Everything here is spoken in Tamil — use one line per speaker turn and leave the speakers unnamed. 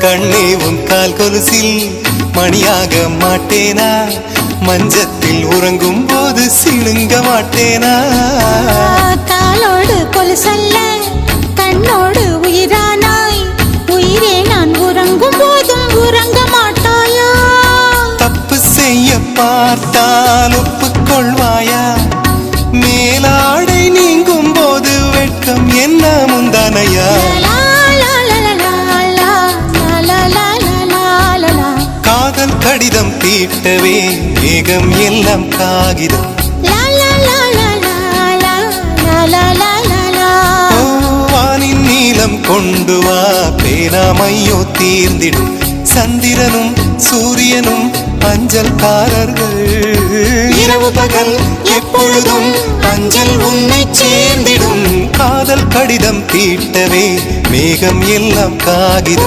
கண்ணே உன் கால் கொலுசில் மணியாக மாட்டேனா? மஞ்சத்தில் உறங்கும் போது சிணுங்க மாட்டேனா?
காலோடு கொலுசல்ல கண்ணோடு உயிரானாய், உயிரே நான் உறங்கும் போதும் உறங்க மாட்டாயா?
தப்பு செய்ய பார்த்தால் ஒப்புக்கொள்வாயா? மேலாடை நீங்கும் போது வெட்கம் என்ன முந்தானையா? காதல் கடிதம் தீட்டவே மேகம் எல்லாம் காகிதம். வானின் நீலம் கொண்டு வா, பேராமையோ தீர்ந்திடும். சந்திரனும் சூரியனும் அஞ்சல்காரர்கள். இரவு பகல் எப்பொழுதும் அஞ்சல் உன்னை சேர்ந்திடும். காதல் கடிதம் தீட்டவே மேகம் எல்லாம் காகிதம்.